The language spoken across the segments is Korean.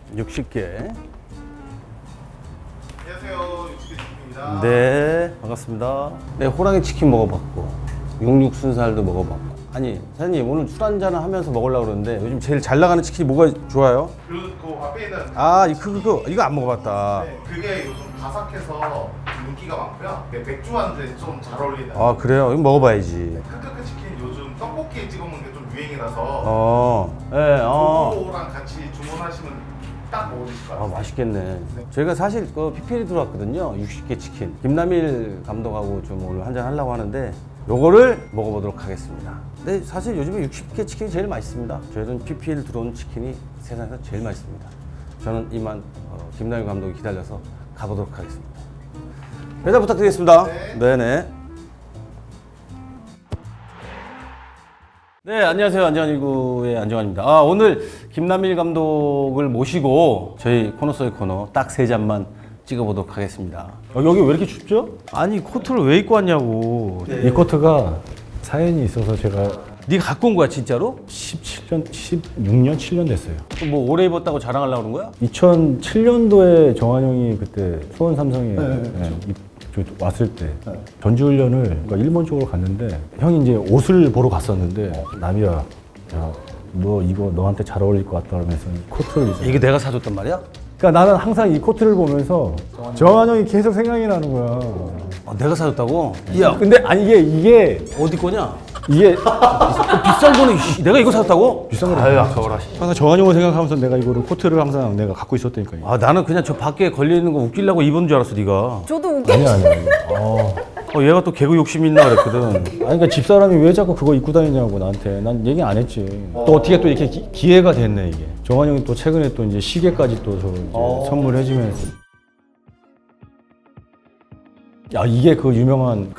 60개. 안녕하세요, 육식입니다. 네, 반갑습니다. 네, 호랑이 치킨 먹어봤고, 육육 순살도 먹어봤고. 아니, 사장님 오늘 술 한잔을 하면서 먹으려고 그러는데 요즘 제일 잘 나가는 치킨이 뭐가 좋아요? 그 앞에 있는 이거 안 먹어봤다. 네, 그게 요즘 바삭해서 인기가 많고요. 네, 맥주한테 좀 잘 어울리는. 아, 그래요? 이거 먹어봐야지. 크크크 치킨 요즘 떡볶이에 찍어 먹는 게 좀 유행이라서 그거랑 같이 주문하시면 딱 먹으실 것 같아요. 맛있겠네. 저희가 사실 그 PPL 들어왔거든요. 60개 치킨. 김남일 감독하고 좀 오늘 한잔 하려고 하는데 요거를 먹어보도록 하겠습니다. 근데 사실 요즘에 60개 치킨이 제일 맛있습니다. 저희는 PPL 들어온 치킨이 세상에서 제일 맛있습니다. 저는 이만 김남일 감독이 기다려서 가보도록 하겠습니다. 배달 부탁드리겠습니다. 네네. 네, 안녕하세요. 안정환1구의 안정환입니다. 오늘 김남일 감독을 모시고 저희 코너 속의 코너 딱 3잔만 찍어보도록 하겠습니다. 여기 왜 이렇게 춥죠? 아니, 코트를 왜 입고 왔냐고. 이 코트가 사연이 있어서 제가 네가 갖고 온 거야, 진짜로? 16년, 7년 됐어요. 뭐 오래 입었다고 자랑하려고 그런 거야? 2007년도에 정한 형이 그때 수원 삼성에 왔을 때 전지훈련을 그러니까 일본 쪽으로 갔는데 형이 이제 옷을 보러 갔었는데 남이야, 야, 너 이거 너한테 잘 어울릴 것 같다 그러면서 코트를 이제 이게 내가 사줬단 말이야? 그러니까 나는 항상 이 코트를 보면서 정한 형이 계속 생각이 나는 거야. 내가 사줬다고? 야, 근데 아니 이게 어디 거냐? 이게 비싼 거는 내가 이거 사줬다고? 비싼 거래. 아유, 아까워라. 항상 정한 형을 생각하면서 내가 이거를 코트를 항상 내가 갖고 있었다니까. 나는 그냥 저 밖에 걸려있는 거 웃기려고 입은 줄 알았어, 네가. 저도 웃겨. 아니야. 얘가 또 개그 욕심 있나 그랬거든. 아니 그러니까 집사람이 왜 자꾸 그거 입고 다니냐고 나한테. 난 얘기 안 했지. 또 어떻게 또 이렇게 기회가 됐네 이게. 정한 형이 또 최근에 또 이제 시계까지 또 저 이제 선물해주면서. 야 이게 그 유명한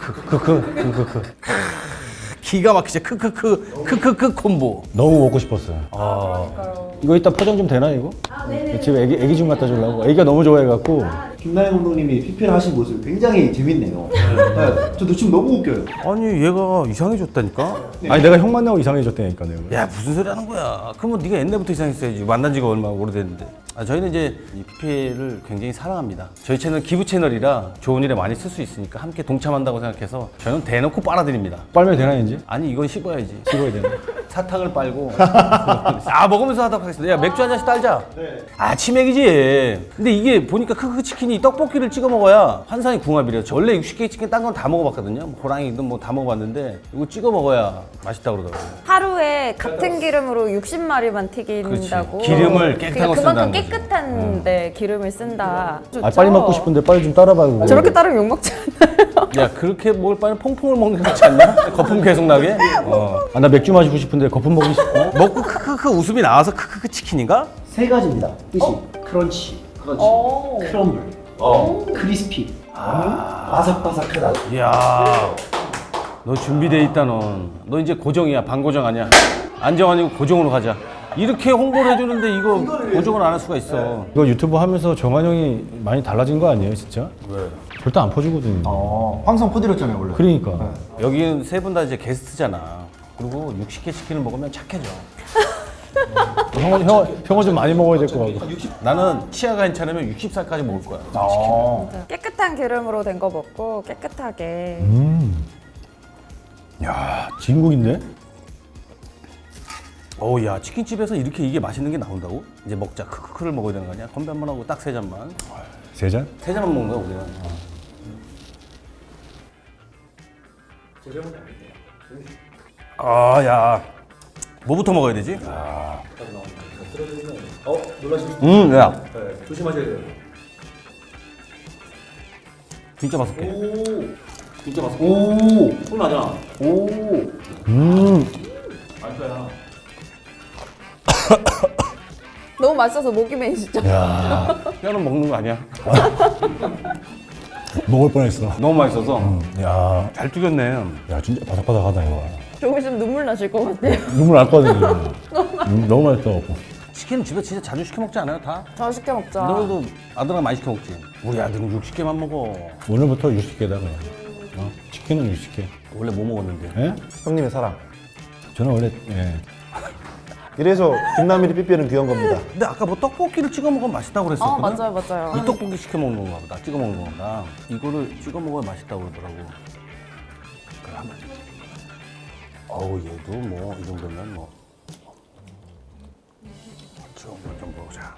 기가 막히지. 크크크 콤보. 너무 먹고 싶었어요. 이거 이따 포장 좀 되나 이거? 집에 애기 좀 갖다 주려고. 애기가 너무 좋아해갖고. 김나영 감독님이 PPL 하신 모습 굉장히 재밌네요. 네, 저도 지금 너무 웃겨요. 아니 얘가 이상해졌다니까? 아니 내가 형 만나고 이상해졌다니까 내가. 야 무슨 소리 하는 거야. 그러면 네가 옛날부터 이상했어야지. 만난 지가 얼마나 오래됐는데. 저희는 이제 이 PPL을 굉장히 사랑합니다. 저희 채널 기부 채널이라 좋은 일에 많이 쓸 수 있으니까 함께 동참한다고 생각해서 저는 대놓고 빨아드립니다. 빨면 되나 이제? 아니 이건 씹어야지. 찍어야 되나? 사탕을 빨고 먹으면서 하도록 하겠습니다. 야 맥주 한 잔씩 딸자. 치맥이지. 근데 이게 보니까 크크 치킨이 떡볶이를 찍어 먹어야 환상의 궁합이래요. 저 원래 60개 치킨 딴 건 다 먹어봤거든요. 뭐 호랑이든 뭐 다 먹어봤는데 이거 찍어 먹어야 맛있다 그러더라고요. 하루에 같은 기름으로 60마리만 튀긴다고. 그렇지. 기름을 깨끗한 거 쓴다는 그만큼 거지. 깨끗한 데 기름을 쓴다. 아 빨리 먹고 싶은데 빨리 좀 따라봐요. 저렇게 따르면 욕 먹지 않아요? 야 그렇게 먹을 바에는 퐁퐁을 먹는 게 낫지 않냐? 거품 계속 나게? 아 나 맥주 마시고 싶은데 거품 먹고 싶고. 먹고 크크크 웃음이 나와서 크크크 치킨인가? 세 가지입니다. 뜻이 크런치, 크럼블, 크리스피, 바삭바삭하다. 이야 너 준비돼 있다 넌. 너 이제 고정이야. 반고정 아니야. 안정환이고 고정으로 가자. 이렇게 홍보를 해주는데 이거 고정을 안 할 수가 있어. 이거 유튜브 하면서 정한 형이 많이 달라진 거 아니에요 진짜? 왜? 절대 안 퍼주거든요. 황성 코디였잖아요 원래. 그러니까. 여기는 세 분 다 이제 게스트잖아. 그리고 60개 치킨을 먹으면 착해져. 형은 좀 많이 먹어야 될 것 같고. 나는 치아가 괜찮으면 60살까지 먹을 거야. 깨끗한 기름으로 된 거 먹고 깨끗하게. 야 진국인데? 어우 야 치킨집에서 이렇게 이게 맛있는 게 나온다고? 이제 먹자. 크크크를 먹어야 되는 거 아니야? 건배 한번 하고 딱 3잔만. 세 잔? 3잔만 먹는 거야 우리는. 야 뭐부터 먹어야 되지? 놀라시면 야 조심하셔야 돼요. 진짜 맛있게. 진짜 맛있어. 오, 손 나잖아. 오, 너무 맛있어서 목이 메이시죠? 뼈는 먹는 거 아니야? 먹을 뻔했어. 너무 맛있어서 야, 잘 튀겼네. 야 진짜 바삭바삭하다 이거. 조금 있으면 눈물 나실 것 같아요. 눈물 날 거거든요. 너무 맛있어갖고. 치킨은 집에 진짜 자주 시켜 먹지 않아요 다? 저 시켜 먹자. 너도 아들랑 많이 시켜 먹지? 우리 아들은 60개만 먹어. 오늘부터 60개다 그냥. 치킨은 60개. 원래 뭐 먹었는데? 예? 형님의 사랑. 저는 원래 예. 이래서 김남일이 PPL은 귀한 겁니다. 근데 아까 뭐 떡볶이를 찍어 먹으면 맛있다고 그랬었거든? 맞아요. 이 떡볶이 시켜 먹는 건가 보다. 찍어 먹는 건가. 이거를 찍어 먹어야 맛있다고 그러더라고. 그래, 한번. 어우, 얘도 뭐, 이 정도면 뭐. 좀 보자.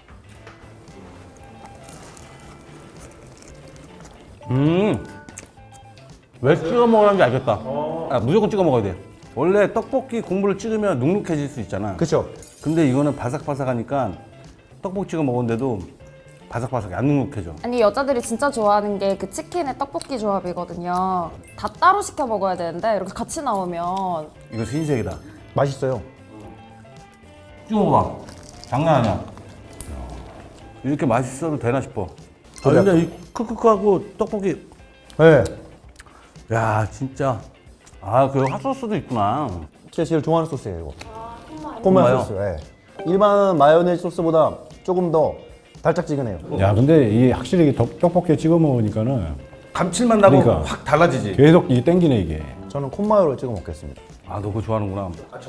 왜 찍어 먹으라는지 알겠다. 아, 무조건 찍어 먹어야 돼. 원래 떡볶이 국물을 찍으면 눅눅해질 수 있잖아. 그쵸? 근데 이거는 바삭바삭하니까 떡볶이 찍어 먹었는데도 바삭바삭해, 안 눅눅해져. 아니 여자들이 진짜 좋아하는 게 그 치킨의 떡볶이 조합이거든요. 다 따로 시켜 먹어야 되는데 이렇게 같이 나오면 이거 흰색이다. 맛있어요. 찍어 먹어봐. 장난 아니야. 이렇게 맛있어도 되나 싶어. 아, 그래. 근데 이 크크크하고 떡볶이, 네. 야 진짜. 아, 그 핫소스도 있구나. 제가 제일 좋아하는 소스예요, 이거. 콩마요? 콩마요 소스. 예. 일반 마요네즈 소스보다 조금 더 달짝지근해요. 야, 근데 이 확실히 떡볶이에 찍어 먹으니까는 감칠맛 나고 그러니까. 확 달라지지. 계속 이게 땡기네 이게. 저는 콩마요를 찍어 먹겠습니다. 아, 너 그거 좋아하는구나.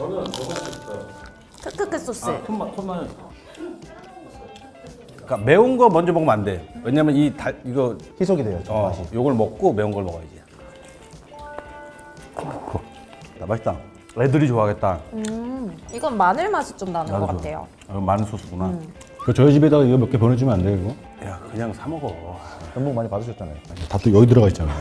크크크 소스. 콩마요. 그러니까 매운 거 먼저 먹으면 안 돼. 왜냐면 이거 희석이 돼요, 저 맛이. 요걸 먹고 매운 걸 먹어야지. 나 맛있다. 애들이 좋아하겠다. 이건 마늘 맛이 좀 나는 것 같아요. 마늘 소스구나. 그 저희 집에다가 이거 몇 개 보내주면 안 돼요 이거? 야, 그냥 사 먹어. 연봉 많이 받으셨잖아요. 다 또 여기 들어가 있잖아요.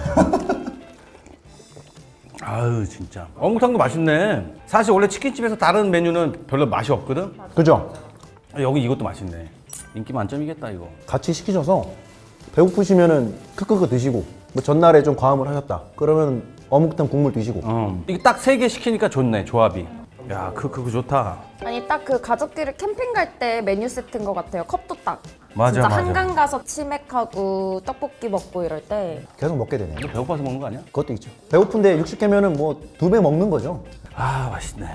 아유, 진짜. 어묵탕도 맛있네. 사실 원래 치킨집에서 다른 메뉴는 별로 맛이 없거든. 그죠? 여기 이것도 맛있네. 인기 만점이겠다 이거. 같이 시키셔서 배고프시면은 크크크 드시고 뭐 전날에 좀 과음을 하셨다. 그러면 어묵탕 국물 드시고. 이게 딱 3개 시키니까 좋네, 조합이. 야, 그거 좋다. 아니 딱 그 가족끼리 캠핑 갈 때 메뉴 세트인 것 같아요. 컵도 딱. 맞아, 진짜 맞아. 한강 가서 치맥하고 떡볶이 먹고 이럴 때. 계속 먹게 되네요. 너 배고파서 먹는 거 아니야? 그것도 있죠. 배고픈데 60개면은 뭐 2배 먹는 거죠. 아, 맛있네.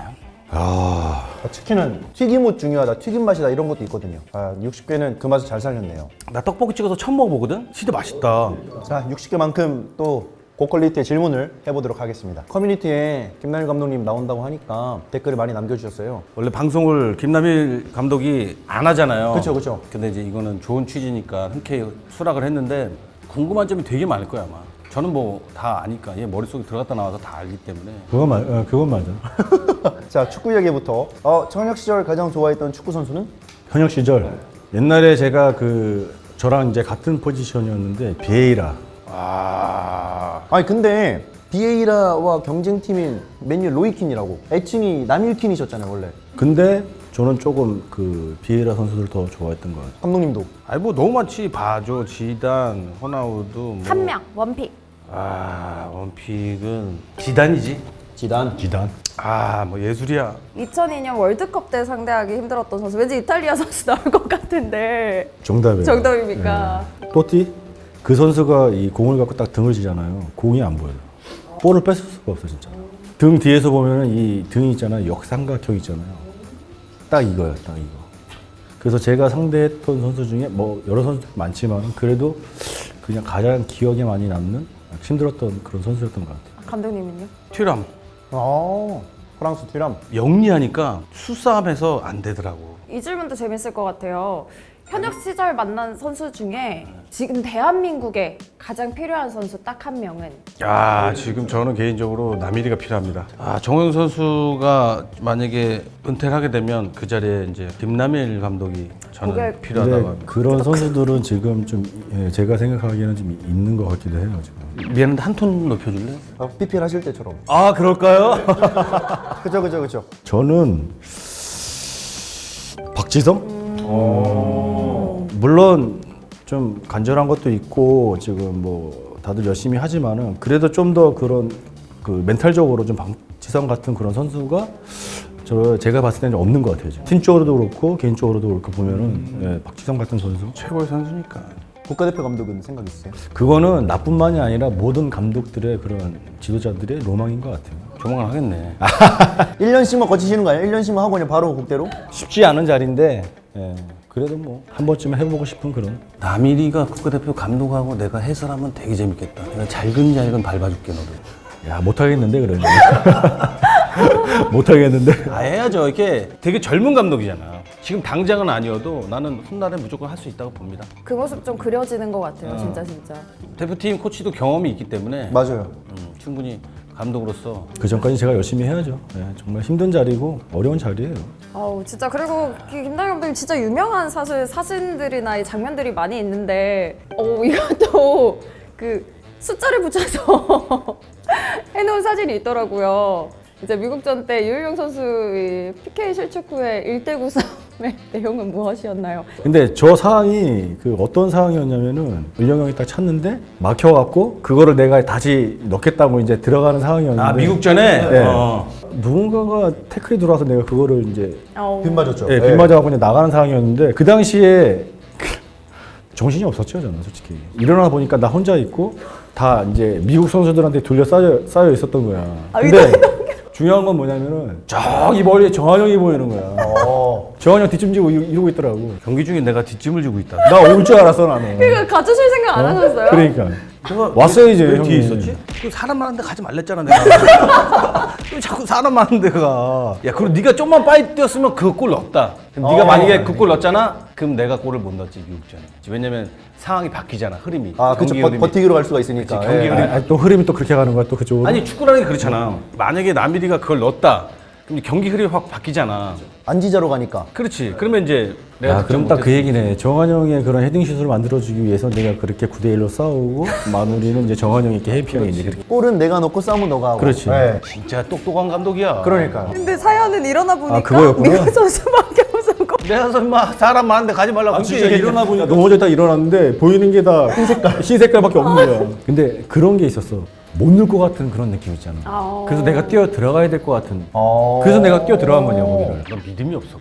치킨은 튀김옷 중요하다, 튀김 맛이다 이런 것도 있거든요. 60개는 그 맛을 잘 살렸네요. 나 떡볶이 찍어서 처음 먹어보거든? 진짜 맛있다. 자, 60개만큼 또 고퀄리티의 질문을 해보도록 하겠습니다. 커뮤니티에 김남일 감독님 나온다고 하니까 댓글을 많이 남겨주셨어요. 원래 방송을 김남일 감독이 안 하잖아요. 그쵸, 그쵸. 근데 이제 이거는 좋은 취지니까 흔쾌히 수락을 했는데 궁금한 점이 되게 많을 거야, 아마. 저는 뭐 다 아니까 얘 머릿속에 들어갔다 나와서 다 알기 때문에. 그건 맞아. 자, 축구 이야기부터. 청력 시절 가장 좋아했던 축구 선수는? 현역 시절 옛날에 제가 저랑 이제 같은 포지션이었는데 비에이라. 아니 근데 비에이라와 경쟁팀인 맨유 로이킨이라고 애칭이 남일킨이셨잖아요 원래. 근데 저는 조금 비에이라 선수들 더 좋아했던 것 같아요. 감독님도. 아니 뭐 너무 많지. 바조, 지단, 호나우두. 뭐. 한 명, 원픽. 원픽은 지단이지. 지단. 뭐 예술이야. 2002년 월드컵 때 상대하기 힘들었던 선수. 왠지 이탈리아 선수 나올 것 같은데. 정답이에요. 정답입니까? 또띠? 그 선수가 이 공을 갖고 딱 등을 지잖아요. 공이 안 보여요. 볼을 뺏을 수가 없어 진짜. 등 뒤에서 보면은 이 등이 있잖아요. 역삼각형 있잖아요. 딱 이거예요. 딱 이거. 그래서 제가 상대했던 선수 중에 뭐 여러 선수 많지만 그래도 그냥 가장 기억에 많이 남는 힘들었던 그런 선수였던 것 같아요. 감독님은요? 튀람. 프랑스 튀람. 영리하니까 수싸움에서 안 되더라고. 이 질문도 재밌을 것 같아요. 현역 시절 만난 선수 중에 지금 대한민국에 가장 필요한 선수 딱 한 명은? 지금 저는 개인적으로 남일이가 필요합니다. 정우영 선수가 만약에 은퇴를 하게 되면 그 자리에 이제 김남일 감독이 저는 그게- 필요하다고 근데 합니다. 그런 선수들은 지금 좀 제가 생각하기에는 좀 있는 것 같기도 해요. 지금. 미안한데 한 톤 높여줄래? PPL 하실 때처럼. 그럴까요? 그죠. 저는 박지성? 물론 좀 간절한 것도 있고 지금 뭐 다들 열심히 하지만은 그래도 좀 더 그런 멘탈적으로 좀 박지성 같은 그런 선수가 제가 봤을 때는 없는 것 같아요. 지금. 팀적으로도 그렇고 개인적으로도 그렇고 보면은 박지성 같은 선수 최고의 선수니까. 국가대표 감독은 생각 있으세요? 그거는 나뿐만이 아니라 모든 감독들의 그런 지도자들의 로망인 것 같아요. 조만간 하겠네. 1년씩만 거치시는 거 아니에요? 1년씩만 하고 그냥 바로 국대로? 쉽지 않은 자리인데 그래도 뭐 한 번쯤은 해보고 싶은 그런. 남일이가 국가대표 감독하고 내가 해설하면 되게 재밌겠다. 내가 잘근잘근 밟아줄게 너를. 야 못하겠는데 그러면. 못하겠는데. 아, 해야죠. 이렇게 되게 젊은 감독이잖아. 지금 당장은 아니어도 나는 훗날에 무조건 할 수 있다고 봅니다. 그 모습 좀 그려지는 것 같아요. 진짜. 대표팀 코치도 경험이 있기 때문에 맞아요. 충분히 감독으로서 그 전까지 제가 열심히 해야죠. 네, 정말 힘든 자리고 어려운 자리예요. 아우 진짜. 그리고 김다희 감독님 진짜 유명한 사실 사진들이나 이 장면들이 많이 있는데 이것도 그 숫자를 붙여서 해놓은 사진이 있더라고요. 이제 미국전 때 유일용 선수의 PK 실축 후에 1대9 싸움의 내용은 무엇이었나요? 근데 저 상황이 그 어떤 상황이었냐면은 을령 형이 딱 찼는데 막혀갖고 그거를 내가 다시 넣겠다고 이제 들어가는 상황이었는데. 아, 미국전에 네. 누군가가 태클이 들어와서 내가 그거를 이제 빗 맞았죠. 네, 빗 맞아갖고 그냥 나가는 상황이었는데 그 당시에 정신이 없었죠 저는 솔직히. 일어나 보니까 나 혼자 있고 다 이제 미국 선수들한테 쌓여 있었던 거야. 근데 중요한 건 뭐냐면은 저기 멀리에 정한영이 보이는 거야. 정한영 뒷짐 지고 이러고 있더라고. 경기 중에 내가 뒷짐을 지고 있다. 나 올 줄 알았어 나는. 그러니까 가주실 생각 안 하셨어요? 그러니까 내가 왔어야지, 왜 형님. 뒤에 있었지? 그 사람 많은데 가지 말랬잖아 내가. 왜 자꾸 사람 많은데 가? 야, 그리고 네가 좀만 빨리 뛰었으면 그 골 넣었다. 그럼 네가 만약에 그 골 넣었잖아? 그럼 내가 골을 못 넣었지 미국전에. 왜냐면 상황이 바뀌잖아, 흐름이. 아, 그쵸. 경기 흐름이. 버티기로 갈 수가 있으니까. 그치, 경기 예. 흐름이. 또 흐름이 또 그렇게 가는 거야 또 그쪽으로. 아니 축구라는 게 그렇잖아. 만약에 남일이가 그걸 넣었다. 그럼 이제 경기 흐름이 확 바뀌잖아. 안지자로 가니까. 그렇지. 그러면 이제 내가 야, 그럼 딱 그 얘기네. 정한영의 그런 헤딩슛을 만들어주기 위해서 내가 그렇게 9대1로 싸우고 마무리는 이제 정한영이 이렇게 해피하게 이제 그렇게. 골은 내가 넣고 싸움은 너가 하고. 그렇지. 예. 진짜 똑똑한 감독이야. 그러니까요. 근데 사연은 일어나 보니까 그거였구나. 미국 선수밖에 없었고. 내가 설마 사람 많은데 가지 말라고. 아, 진짜 일어나 보니까 넘어져 딱 일어났는데 보이는 게 다 흰 색깔밖에 없는 거야. 근데 그런 게 있었어. 못 넣을 것 같은 그런 느낌 있잖아. 그래서 내가 뛰어 들어가야 될 것 같은. 그래서 내가 뛰어 들어간 거냐 거기를. 넌 믿음이 없어.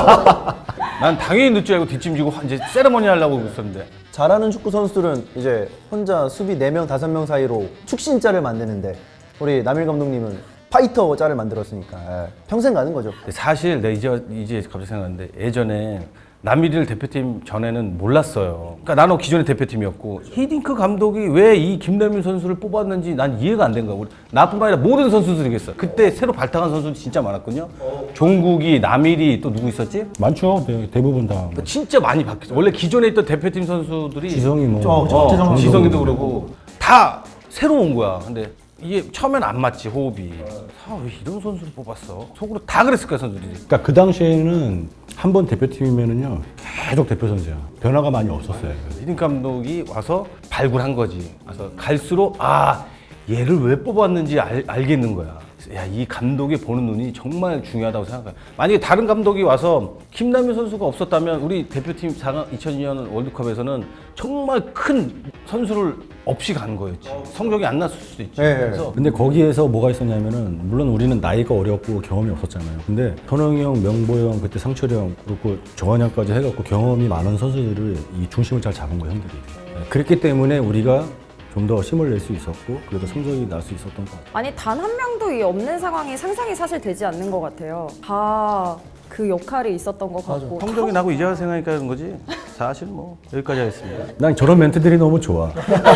난 당연히 늦줄 알고 뒷짐지고 이제 세레머니 하려고 있었는데. 잘하는 축구 선수들은 이제 혼자 수비 4명, 5명 사이로 축신자를 만드는데 우리 남일 감독님은 파이터 자를 만들었으니까 예. 평생 가는 거죠. 사실 내 이제 갑자기 생각났는데 예전에 남일이를 대표팀 전에는 몰랐어요. 그러니까 나는 기존의 대표팀이었고 히딩크 감독이 왜 이 김남일 선수를 뽑았는지 난 이해가 안 된 거야. 나뿐만 아니라 모든 선수들이겠어. 그때 새로 발탁한 선수들이 진짜 많았거든요. 종국이, 남일이 또 누구 있었지? 많죠. 대부분 다. 진짜 많이 바뀌었어. 원래 기존에 있던 대표팀 선수들이 지성이 뭐. 지성이도 그러고 다 새로 온 거야. 근데 이게 처음엔 안 맞지, 호흡이. 왜 이런 선수를 뽑았어? 속으로 다 그랬을 거야, 선수들이. 그러니까 그 당시에는 한 번 대표팀이면은요 계속 대표 선수야. 변화가 많이 없었어요. 히딩 감독이 와서 발굴한 거지. 그래서 갈수록 얘를 왜 뽑았는지 알겠는 거야. 야, 이 감독이 보는 눈이 정말 중요하다고 생각해. 만약에 다른 감독이 와서 김남일 선수가 없었다면 우리 대표팀 4강 2002년 월드컵에서는 정말 큰 선수를 없이 간 거였지. 성적이 안 났을 수도 있지. 네. 그래서 근데 거기에서 뭐가 있었냐면은 물론 우리는 나이가 어렸고 경험이 없었잖아요. 근데 현웅이 형, 명보 형, 그때 상철이 형 그리고 정한영까지 해갖고 경험이 많은 선수들을 이 중심을 잘 잡은 거예요, 형들이. 네, 그랬기 때문에 우리가 좀 더 힘을 낼 수 있었고 그래도 성적이 날 수 있었던 것 같아요. 아니 단 한 명도 이 없는 상황이 상상이 사실 되지 않는 것 같아요. 다 그 역할이 있었던 것 같고. 성적이 나고 이제 생각하니까 그런 거지. 사실 뭐 여기까지 하겠습니다. 난 저런 멘트들이 너무 좋아.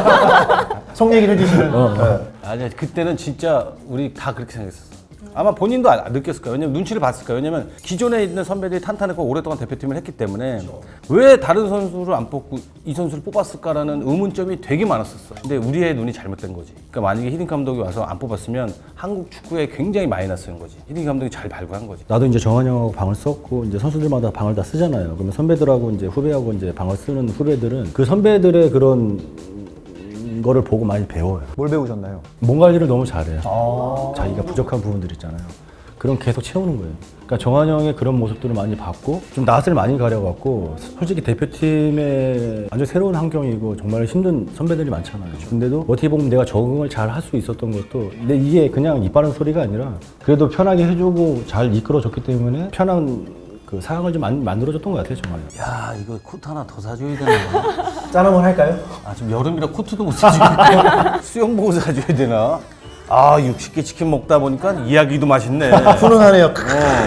속 얘기를 해주시는. 아니야, 그때는 진짜 우리 다 그렇게 생각했었어. 아마 본인도 느꼈을 거예요. 왜냐면 눈치를 봤을 거예요. 왜냐면 기존에 있는 선배들이 탄탄했고 오랫동안 대표팀을 했기 때문에 왜 다른 선수를 안 뽑고 이 선수를 뽑았을까라는 의문점이 되게 많았었어. 근데 우리의 눈이 잘못된 거지. 그러니까 만약에 히딩 감독이 와서 안 뽑았으면 한국 축구에 굉장히 마이너스인 거지. 히딩 감독이 잘 발굴한 거지. 나도 이제 정한영하고 방을 썼고 이제 선수들마다 방을 다 쓰잖아요. 그러면 선배들하고 이제 후배하고 이제 방을 쓰는 후배들은 그 선배들의 그런 거를 보고 많이 배워요. 뭘 배우셨나요? 몸 관리를 너무 잘해요. 자기가 부족한 부분들 있잖아요. 그럼 계속 채우는 거예요. 그러니까 정한영의 그런 모습들을 많이 봤고 좀 낯을 많이 가려갖고 솔직히 대표팀에 완전 새로운 환경이고 정말 힘든 선배들이 많잖아요. 근데도 어떻게 보면 내가 적응을 잘 할 수 있었던 것도 근데 이게 그냥 입 바른 소리가 아니라 그래도 편하게 해주고 잘 이끌어줬기 때문에 편한 그 상황을 좀 만들어줬던 것 같아요, 정말. 야, 이거 코트 하나 더 사줘야 되나? 짠 한번 할까요? 지금 여름이라 코트도 못 사지. 수영복을 사줘야 되나? 60개 치킨 먹다 보니까 이야기도 맛있네. 훈훈하네요.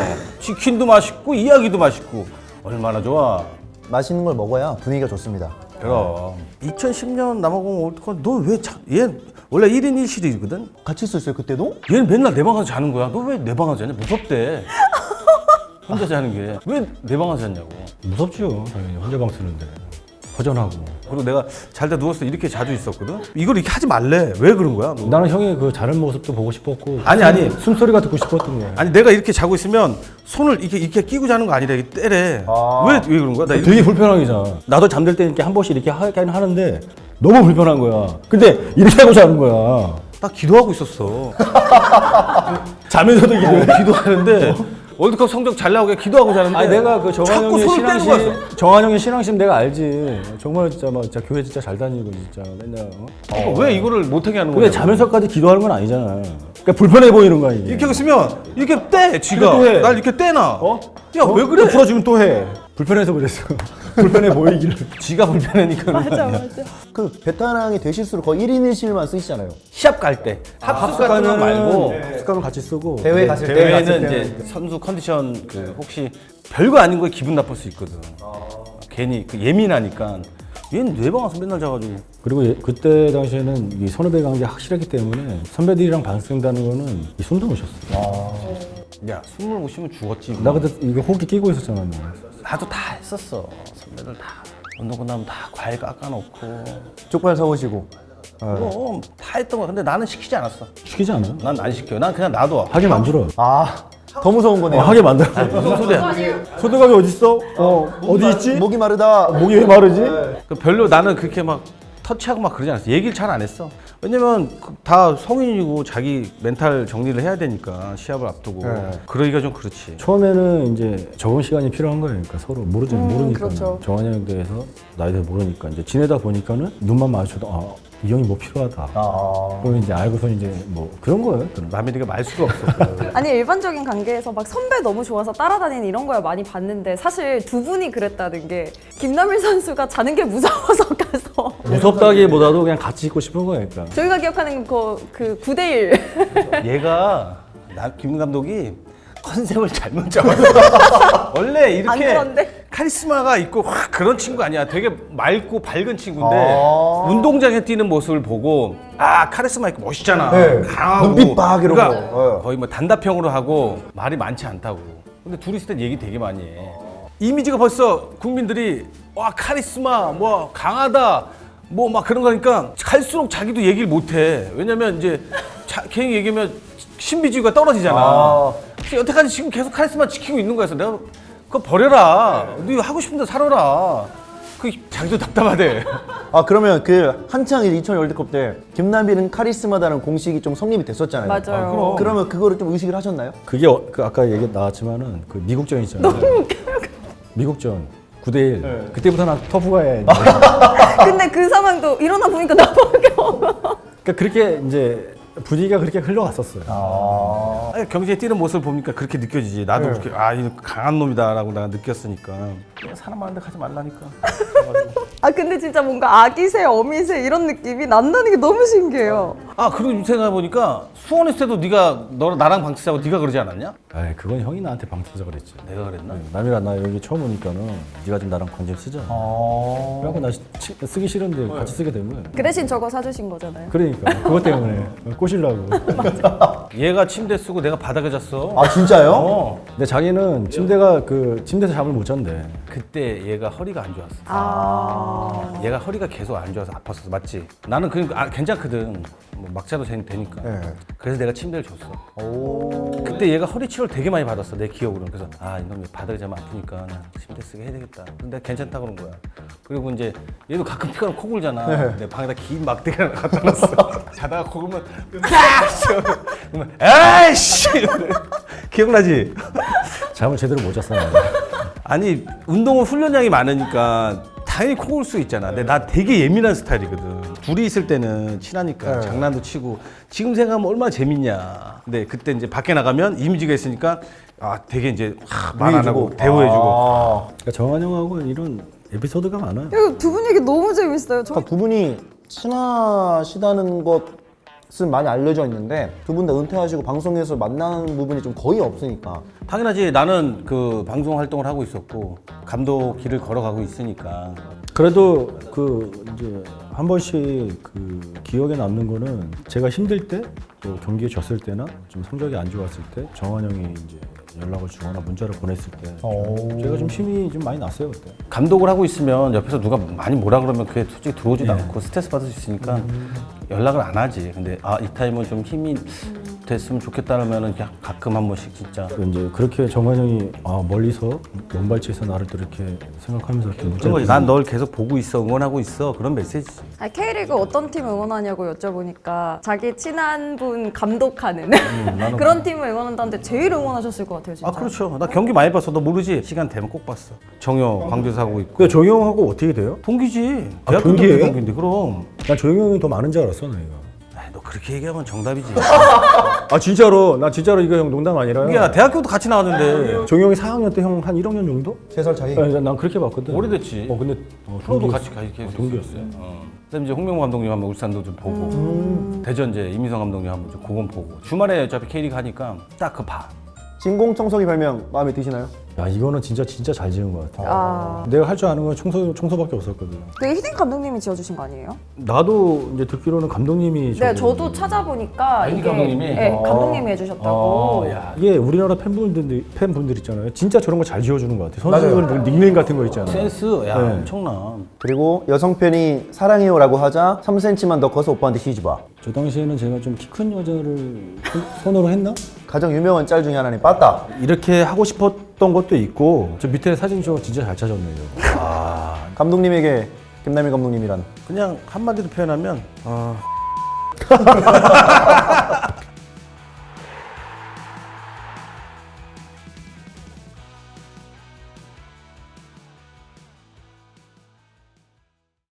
치킨도 맛있고 이야기도 맛있고 얼마나 좋아. 맛있는 걸 먹어야 분위기가 좋습니다. 그럼 2010년 남아공 월드컵 너왜얘 원래 1인 1실이거든. 같이 있었어요 그때도? 얘는 맨날 내 방에서 자는 거야. 너 왜 내 방에서 자냐? 무섭대. 혼자 자는 게 왜 내 방에서 잤냐고. 무섭죠. 당연히 혼자 방 쓰는데 허전하고. 그리고 내가 잘 때 누웠을 때 이렇게 자주 있었거든. 이걸 이렇게 하지 말래. 왜 그런 거야? 너? 나는 형의 그 자는 모습도 보고 싶었고. 아니. 숨소리가 듣고 싶었던 거야. 아니 내가 이렇게 자고 있으면 손을 이렇게 끼고 자는 거 아니라 이렇게 때래. 왜 그런 거야? 나 이렇게 되게 불편하게잖아. 나도 잠들 때 이렇게 한 번씩 이렇게 하긴 하는데 너무 불편한 거야. 근데 이렇게 하고 자는 거야. 나 기도하고 있었어. 자면서도 이게. 기도하는데 월드컵 성적 잘 나오게 기도하고 자는데. 아니 내가 그 자꾸 손을 떼는 거야. 정한영의 신앙심 내가 알지. 정말 진짜 막 진짜 교회 진짜 잘 다니고 진짜 맨날. 그러니까 왜 이거를 못하게 하는 거야? 근데 자면서까지 기도하는 건 아니잖아. 그러니까 불편해 보이는 거야 이게. 이렇게 하고 있으면 이렇게 떼 쥐가. 또 해. 날 이렇게 떼나. 어? 야 왜 그래? 또 풀어주면 또 해. 불편해서 그랬어. 불편해 보이기를. 쥐가 불편하니까. 맞아. 그 베테랑이 되실수록 거의 1인 1실만 쓰시잖아요. 시합 갈 때. 합숙 같은 거 말고. 습관은 같이 쓰고. 대회 갔을 때 대회는 이제 선수 컨디션 그 혹시 별거 아닌 거에 기분 나쁠 수 있거든. 괜히 그 예민하니까. 얘는 내 방 와서 맨날 자가지고. 그리고 그때 당시에는 이 선후배 관계 확실하기 때문에 선배들이랑 방송된다는 거는 이 숨도 못 쉬었어. 야 숨을 못 쉬면 죽었지. 나 그때 이거 호흡기 끼고 있었잖아. 뭐. 나도 다 했었어. 선배들 다 운동 끝나면 다 과일 깎아놓고. 족발 사오시고. 그럼 다 했던 거야. 근데 나는 시키지 않았어. 시키지 않아? 난 안 시켜. 난 그냥 놔둬. 하게 만들어. 더 무서운 거네요. 하게 만들어. 무슨 소리야? 소독감이 어딨어? 어디 있지? 목이 마르다. 목이 왜 마르지? 그 별로 나는 그렇게 막 터치하고 막 그러지 않았어. 얘기를 잘 안 했어. 왜냐면 다 성인이고 자기 멘탈 정리를 해야 되니까 시합을 앞두고. 그러기가 좀 그렇지. 처음에는 이제 적응 시간이 필요한 거예요. 그러니까 서로 모르니까. 그렇죠. 정한이 형에 대해서 나에 대해서 모르니까 이제 지내다 보니까는 눈만 마주쳐도 이 형이 뭐 필요하다. 그럼 이제 알고서 이제 뭐 그런 거예요. 그런. 남의 네가 말 수가 없어. 아니 일반적인 관계에서 막 선배 너무 좋아서 따라다니는 이런 거야 많이 봤는데 사실 두 분이 그랬다는 게 김남일 선수가 자는 게 무서워서 가서 무섭다기보다도 그냥 같이 있고 싶은 거예요. 그러니까. 저희가 기억하는 그 9대1 얘가 김 감독이 컨셉을 잘못 잡았어. 원래 안 이렇게 그런데? 카리스마가 있고 확 그런 친구 아니야. 되게 맑고 밝은 친구인데 운동장에 뛰는 모습을 보고 카리스마 있고 멋있잖아. 강하고 눈빛 막 이러고. 그러니까 거의 뭐 단답형으로 하고 말이 많지 않다고. 근데 둘이 있을 땐 얘기 되게 많이 해. 이미지가 벌써 국민들이 와 카리스마 뭐 강하다 뭐 막 그런 거니까 갈수록 자기도 얘기를 못 해. 왜냐면 이제 괜히 얘기하면 신비주의가 떨어지잖아. 여태까지 지금 계속 카리스마 지키고 있는 거였어. 내가 그거 버려라. 너 하고 싶은 데 살아라. 그 자기도 답답하대. 그러면 그 한창 2000 월드컵 때 김남일은 카리스마다는 공식이 좀 성립이 됐었잖아요. 맞아요. 그럼. 그러면 그거를 좀 의식을 하셨나요? 그게 그 아까 얘기 나왔지만은 그 미국전 있잖아요. 미국전 9대1. 그때부터 난 터프가 해. 근데 그 상황도 일어나 보니까 나밖에 없어. 그러니까 그렇게 이제 분위기가 그렇게 흘러갔었어요. 경기에 뛰는 모습을 보니까 그렇게 느껴지지. 나도 그렇게 이 강한 놈이다라고 내가 느꼈으니까. 사람 많은데 가지 말라니까. 근데 진짜 뭔가 아기새, 어미새 이런 느낌이 난다는 게 너무 신기해요. 그리고 생각해 보니까 수원 있을 때도 나랑 방 쓰자고 네가 그러지 않았냐? 그건 형이 나한테 방치자 그랬지. 내가 그랬나? 남이라 나 여기 처음 오니까는 네가 좀 나랑 관심 쓰자. 그래갖고 나 쓰기 싫은데 같이 쓰게 된 거야. 그 대신 저거 사주신 거잖아요. 그러니까 그것 때문에 꼬시려고. 얘가 침대 쓰고 내가 바닥에 잤어. 진짜요? 근데 자기는 침대에서 잠을 못 잔대. 그때 얘가 허리가 안 좋았어. 얘가 허리가 계속 안 좋아서 아팠었어. 맞지? 나는 괜찮거든. 뭐 막자도 되니까. 그래서 내가 침대를 줬어. 그때 얘가 허리 치료를 되게 많이 받았어. 내 기억으로는. 그래서 이놈이 바닥에 자면 아프니까 난 침대 쓰게 해야 되겠다. 근데 내가 괜찮다 그런 거야. 그리고 이제 얘도 가끔 피가 나면 코 골잖아. 내 방에다 긴 막대기 하나 갖다 놨어. 자다가 코 골면 그러면 에이씨! 기억나지? 잠을 제대로 못 잤어. 아니 운동은 훈련량이 많으니까 당연히 코 골 수 있잖아. 근데 나 되게 예민한 스타일이거든. 둘이 있을 때는 친하니까 장난도 치고 지금 생각하면 얼마나 재밌냐. 근데 그때 이제 밖에 나가면 이미지가 있으니까 되게 이제 말 안 하고 대우해주고. 그러니까 정한 형하고 이런 에피소드가 많아요. 두 분 얘기 너무 재밌어요. 두 분이 친하시다는 것은 많이 알려져 있는데 두 분 다 은퇴하시고 방송에서 만나는 부분이 좀 거의 없으니까. 당연하지. 나는 그 방송 활동을 하고 있었고 감독 길을 걸어가고 있으니까. 그래도 그 이제 한 번씩 그 기억에 남는 거는 제가 힘들 때, 또 경기에 졌을 때나 좀 성적이 안 좋았을 때 정한 형이 이제 연락을 주거나 문자를 보냈을 때 제가 좀 힘이 좀 많이 났어요 그때. 감독을 하고 있으면 옆에서 누가 많이 뭐라 그러면 그게 솔직히 들어오지도 않고 스트레스 받을 수 있으니까 연락을 안 하지. 근데 이 타임은 좀 힘이 됐으면 좋겠다 하면은 그냥 가끔 한 번씩 진짜. 이제 그렇게 정한 형이 멀리서 먼발치에서 나를 또 이렇게 생각하면서 이렇게 그런 거지. 난 널 계속 보고 있어, 응원하고 있어, 그런 메시지지. 아니, K리그 어떤 팀 응원하냐고 여쭤보니까 자기 친한 분 감독하는 그런 팀을 응원한다는데 제일 응원하셨을 것 같아요, 진짜. 그렇죠. 나 경기 많이 봤어. 너 모르지? 시간 되면 꼭 봤어. 정효 광주에서 하고 있고. 그 정희 형하고 어떻게 돼요? 동기지. 아, 대학교 때 동기예요? 동기인데 그럼. 난 정희 형이 더 많은 줄 알았어 나이가. 너 그렇게 얘기하면 정답이지. 아 진짜로? 나 진짜로 이거 형 농담 아니라요? 이게 나 대학교도 같이 나왔는데. 정희 형이 4학년 때 형 한 1학년 정도? 3살 차이. 네, 난 그렇게 봤거든. 오래됐지. 근데 프로도 동기였어. 같이 계속 동기였어요. 그다음에 이제 홍명보 감독님 한번 울산도 좀 보고 대전 이제 이민성 감독님 한번 좀 그건 보고 주말에 어차피 K리그 하니까 딱 그 봐. 진공청소기 별명 마음에 드시나요? 야 이거는 진짜 잘 지은 것 같아. 아, 내가 할 줄 아는 건 청소밖에 없었거든. 그 히딩 감독님이 지어주신 거 아니에요? 나도 이제 듣기로는 감독님이 네, 저도 찾아보니까 히딩 이게 감독님이? 네, 감독님이 해주셨다고. 야. 이게 우리나라 팬분들 있잖아요. 진짜 저런 거 잘 지어주는 것 같아. 선수들 닉네임 같은 거 있잖아. 센스 야 네. 엄청나. 그리고 여성 팬이 사랑해요라고 하자 3cm만 더 커서 오빠한테 시집와. 저 당시에는 제가 좀 키 큰 여자를 선호를 했나? 가장 유명한 짤 중에 하나는 빠따. 이렇게 하고 싶었던 것도 있고 저 밑에 사진 저 진짜 잘 찾았네요. 감독님에게 김남일 감독님이란 그냥 한마디로 표현하면